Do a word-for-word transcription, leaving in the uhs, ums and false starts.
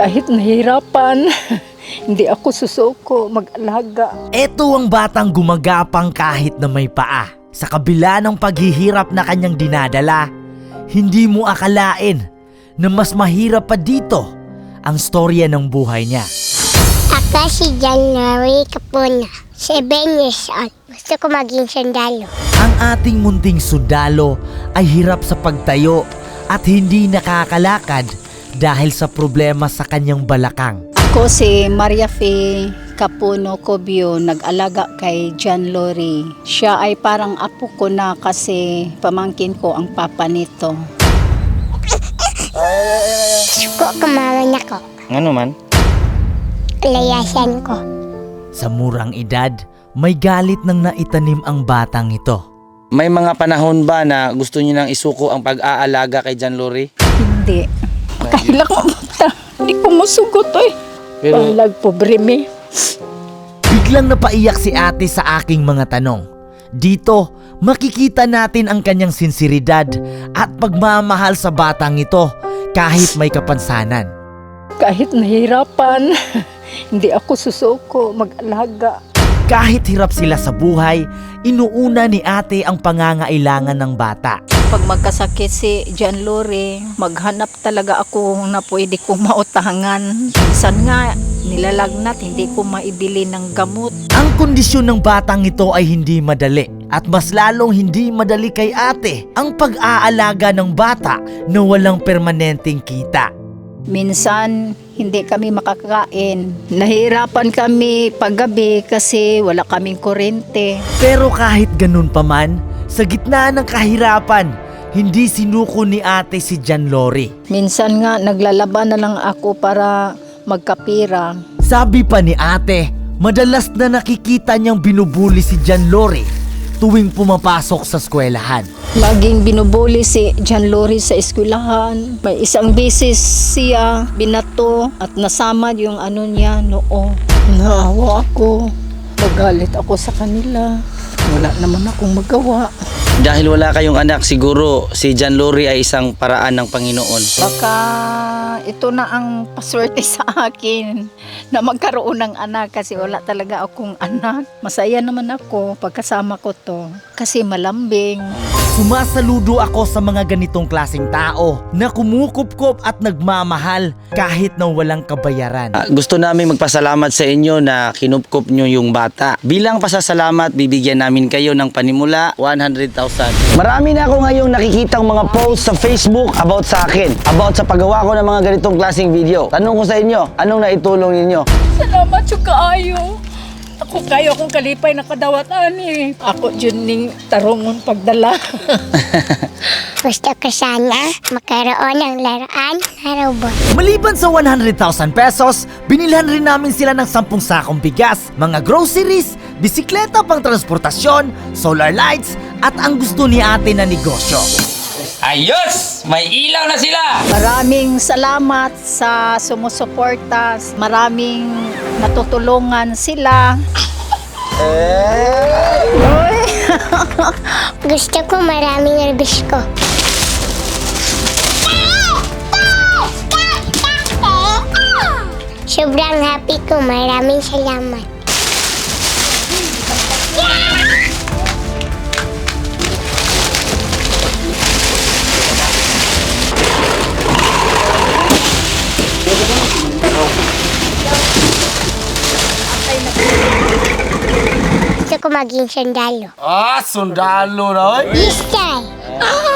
Kahit nahirapan, hindi ako susuko mag-alaga. Ito ang batang gumagapang kahit na may paa. Sa kabila ng paghihirap na kanyang dinadala, hindi mo akalain na mas mahirap pa dito ang storya ng buhay niya. Ako si January Capuna, seven years old. Gusto ko maging sundalo. Ang ating munting sundalo ay hirap sa pagtayo at hindi nakakalakad dahil sa problema sa kanyang balakang. Ako si Maria Fe Capuno Cobio, nag-alaga kay John Lori. Siya ay parang apo ko na kasi pamangkin ko ang papa nito. Suko kumaman ako. Ano man? Layasan ko. Sa murang edad, may galit nang naitanim ang batang ito. May mga panahon ba na gusto niyo nang isuko ang pag-aalaga kay John Lori? Hindi. Kahilak mo mata. Hindi ko masugot eh. Pero- Balag pobre me. Biglang napaiyak si ate sa aking mga tanong. Dito, makikita natin ang kanyang sinseridad at pagmamahal sa batang ito kahit may kapansanan. Kahit nahirapan, hindi ako susuko mag-alaga. Kahit hirap sila sa buhay, inuuna ni ate ang pangangailangan ng bata. Pag magkasakit si John Lori, maghanap talaga ako na pwede kong mautangan. Minsan nga, nilalagnat, hindi ko maibili ng gamot. Ang kondisyon ng batang ito ay hindi madali at mas lalong hindi madali kay ate ang pag-aalaga ng bata na walang permanenteng kita. Minsan, hindi kami makakain. Nahirapan kami paggabi kasi wala kaming kuryente. Pero kahit ganun pa man, sa gitna ng kahirapan, hindi sinuko ni ate si John Lori. Minsan nga, naglalaban na lang ako para magkapira. Sabi pa ni ate, madalas na nakikita niyang binubuli si John Lori tuwing pumapasok sa eskwelahan. Laging binubuli si John Lori sa eskwelahan. May isang beses siya binato at nasamad yung ano niya noo. Naawa ako. Magalit ako sa kanila. Wala naman akong magawa. Dahil wala kayong anak, siguro si John Lori ay isang paraan ng Panginoon. Baka ito na ang paswerte sa akin na magkaroon ng anak kasi wala talaga akong anak. Masaya naman ako pagkasama ko to kasi malambing. Sumasaludo ako sa mga ganitong klaseng tao na kumukupkop at nagmamahal kahit na walang kabayaran. Ah, gusto namin magpasalamat sa inyo na kinupkup nyo yung bata. Bilang pasasalamat, bibigyan namin kayo ng panimula one hundred thousand. Marami na ako ngayong nakikitang mga posts sa Facebook about sa akin, about sa paggawa ko ng mga ganitong klaseng video. Tanong ko sa inyo, anong naitulong ninyo? Salamat yung kaayo. Ako kayo akong kalipay nakadawatan eh. Ako dyan ning tarungon pagdala. Gusto ko sana makaroon ng laruan na robot. Maliban sa one hundred thousand pesos, binilhan rin namin sila ng sampung sakong bigas, mga groceries, bisikleta pang transportasyon, solar lights, at ang gusto ni ate na negosyo. Ayos! May ilaw na sila! Maraming salamat sa sumusuporta. Maraming natutulungan sila. Uy! Gusto ko maraming rubis ko. Sobrang happy ko. Maraming salamat. Gusto ko maging sundalo. Ah, sundalo na, oy! Yes, sir.